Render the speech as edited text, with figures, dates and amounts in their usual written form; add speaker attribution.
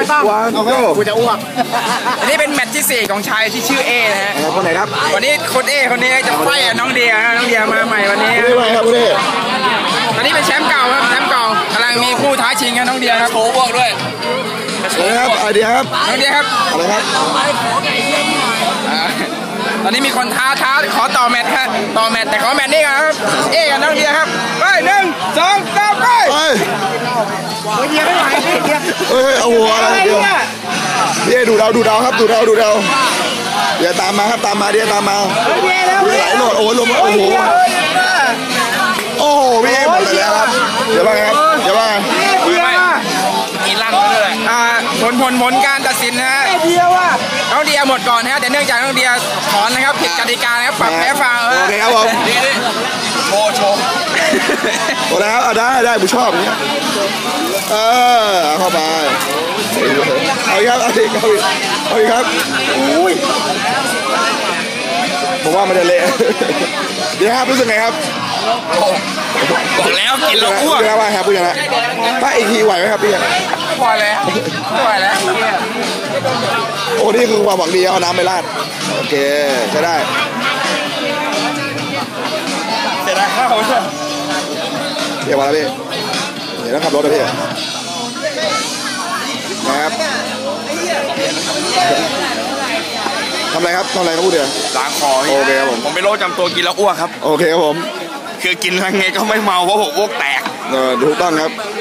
Speaker 1: กูจะอ้วก
Speaker 2: อันนี้เป็นแมตช์ที่4ของชายที่ชื่อเอนะฮะ
Speaker 1: คนไหนครับ
Speaker 2: วันนี้คนเอคนนี้จะไฟน้องเดียน้องเดียมาใหม่วันนี้
Speaker 1: ไม่ไหวครับคุณเอ
Speaker 2: ตอนนี้เป็นแชมป์เก่าครับแชมป์เก่ากำลังมีคู่ท้าชิงครับน้องเดียครับโชว์บวกด้วย
Speaker 1: ครับไอเดียครับ
Speaker 2: น้องเดียครับ
Speaker 1: อะไรครับ
Speaker 2: ตอนนี้มีคนท้าขอต่อแมตช์ครับต่อแมตช์แต่ขอแมตช์นี้ก่อนครับเอกับน้องเดียครับไป1 2 3ไปเดียไม่ไหวเดีย
Speaker 1: เฮ้ยเอาหัวอะไรเดียวพี่เอดูดาวครับดูดาวเดี๋ยวตามมาครับตามมาเดี๋ยวตามมาไหลโหลดโอ้ลมโอ้โหพี่เอหมดไปแล้วครับเดี๋ยวว่าไงครับเดี๋ยวว่าไง
Speaker 2: กินลั่นเลยผลการตัดสินนะฮะน้องเดียหมดก่อนนะฮะแต่เนื่องจากน้องเดียถอนนะครับผิดกติกานะครับปรับแพ้ฟาวล์
Speaker 1: โอเคครับผม
Speaker 2: โชว์
Speaker 1: โอเคครับได้ผมชอบอย่างเงี้ยเข้าไปเอาอีกครับอุ้ยผมว่ามันจะเละเดี๋ยวครับรู้สึกไงครับ
Speaker 2: บอกแล้วกินแล้วอ้วก
Speaker 1: พูดแล้วว่าครับพูดอย่างนั้นถ้าอีกทีไหวไหมครับพี่
Speaker 2: พอแล้ว
Speaker 1: โอ้นี่คือความหวังดีเอาน้ำไปราดโอเคใช้ได้
Speaker 2: เสร็จแล้ว
Speaker 1: เดี๋ยวมาแล้วพี่เดี๋ยวต้องขับรถนะพี่นะครับทำอะไรครับพูดเดี๋ยว
Speaker 2: ล้างคอ
Speaker 1: โอเคครับผม
Speaker 2: เป็นโรคจำตัวกินแล้วอ้วกครับ
Speaker 1: โอเคครับผม
Speaker 2: คือกินยังไงก็ไม่เมาเพราะผมอ้วกแตก
Speaker 1: ถูกต้องครับ